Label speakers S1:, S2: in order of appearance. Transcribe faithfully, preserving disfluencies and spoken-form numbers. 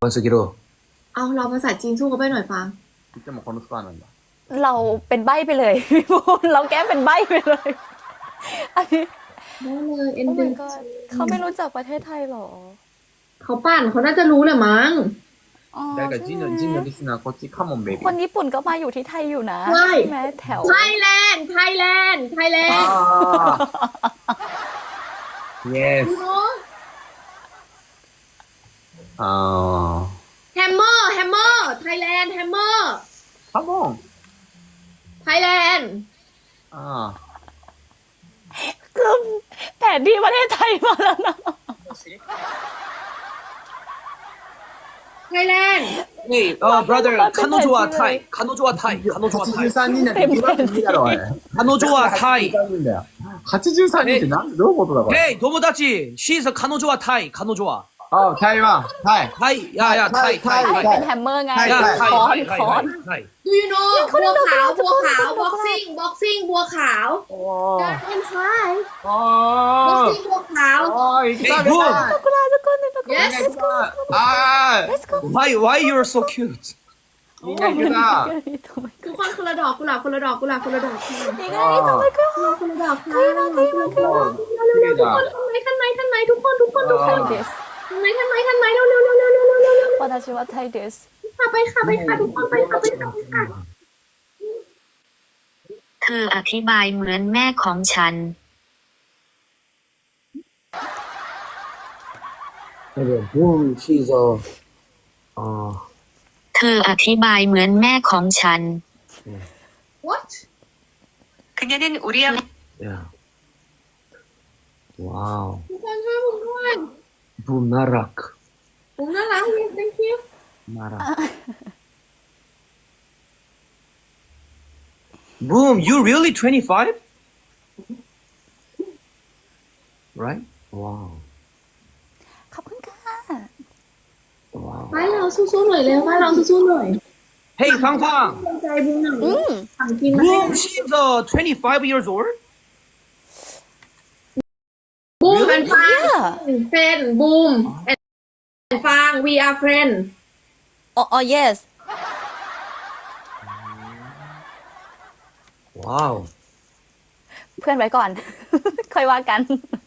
S1: วันสกิโร
S2: เอาเราภาษาจีนสู้เขาไปหน่อยฟัง
S1: いつもこのスコアなんだ
S3: เราเป็นใบ้ไปเลยพี่บูนเราแก้เป็นใบ้ไปเลยอันนี้
S2: ได้เลยเอ็น
S3: โอ้
S2: ดู
S3: my god เขาไม่รู้จักประเทศไทยหรอ
S2: เขาปั่นเขาน่าจะรู้แหละมั้ง
S3: อ๋อ
S1: 誰か
S3: ใช่
S1: ジン
S3: ไหม
S1: のジンのリスナーこっちカモンベイビー
S3: คนญี่ปุ่นก็มาอยู่ที่ไทยอยู่นะ
S2: ใช่
S3: ไหมแถว
S2: ไทยแลนด์ไทยแลนด์ไทยแลนด์
S1: あー yes
S2: ดูเนาะ
S1: あ
S2: แฮมเมอร์แฮมเมอร์ไทยแลนด์แฮมเมอร์
S1: ーカモン
S2: ไทยแลนด์
S1: あ
S3: คือแผนที่ประเทศไทยมาแล้วนะ
S2: ไทยแลนด์
S1: ーhey uh brother 彼女はタイ彼女はタイ彼女はタイはちじゅうさんにんなんて言わなくていいだろおい彼女はタイはちじゅうさんにんってなんどういうことだこれ
S4: Hey 友達 She's 彼女はタイ彼女は
S1: あ台湾タイ
S4: タイいやいやタイタイ
S3: ไท
S4: タ
S3: ย
S4: イ
S3: เป็นแฮมเมอร์ไง
S4: いやタイ
S3: คอน
S4: はいはい
S3: คอ
S4: はい
S3: น
S4: はい
S2: ดูยูโน่บัวขาวบัวขาวบ็อกซิ่งบ็อกซิ่งบัวขาว
S1: お
S2: เป็นไทย
S1: ー
S2: บ็อก
S1: お
S2: ซิ่งบัวขาว
S1: ーおー行きたい
S4: Hey boom
S3: กุลาทุกคนทุกคน
S2: yes
S1: あ
S3: let's go
S4: Why why you're so cute
S1: ーみんな行けた
S2: ทุกคนคนละดอกกุหลาบคนละดอกกุหลาบคนละดอกค่ะ
S3: นี่ไงนี่ทำไมก็
S2: คนละดอกค่ะเร็วๆทุกคนทันไหมทันไหมทันไหมทุกคนทุกคนทุกค
S3: ไท
S2: น
S3: ยเดส
S2: ทันไหมทันไหมทันไหมเร็วๆเร็วๆเร็วๆเร็วๆเร็วๆเร็ว
S3: วันอาชิวะไทยเดส
S2: ๆค่ะไปค่ะไปค่ะทุกคนไปค่ะไปค่ะไปค่ะ
S5: เธออธิบายเหมือนแม่ของฉัน
S1: boom she's a 아
S5: เธออธิบายเหมือนแม่ของฉัน
S2: what
S5: 그녀는 우리 아빠
S1: 야 와우
S2: ทุกคนช่วยผมด้วย
S1: boom 나락
S2: ผมน่ารัก yes thank you
S1: 나락
S4: Boom you really twenty-five
S1: right wow
S3: ขอบคุณค่ะ
S1: wow
S2: ไปเราสู้ๆหน่อยเร็วไปเราสู้ๆหน่อย
S4: Hey 팡팡
S2: ใจบุญหน่อยสั่งกินมา
S4: Boom she's uh twenty-five years old
S2: บูมแอนฟาง
S3: Yeah
S2: เฟนบูมแอนฟาง we are friend
S3: อ๋ออ๋อ yes
S1: wow
S3: เพื่อนไว้ก่อน ค่อยว่ากัน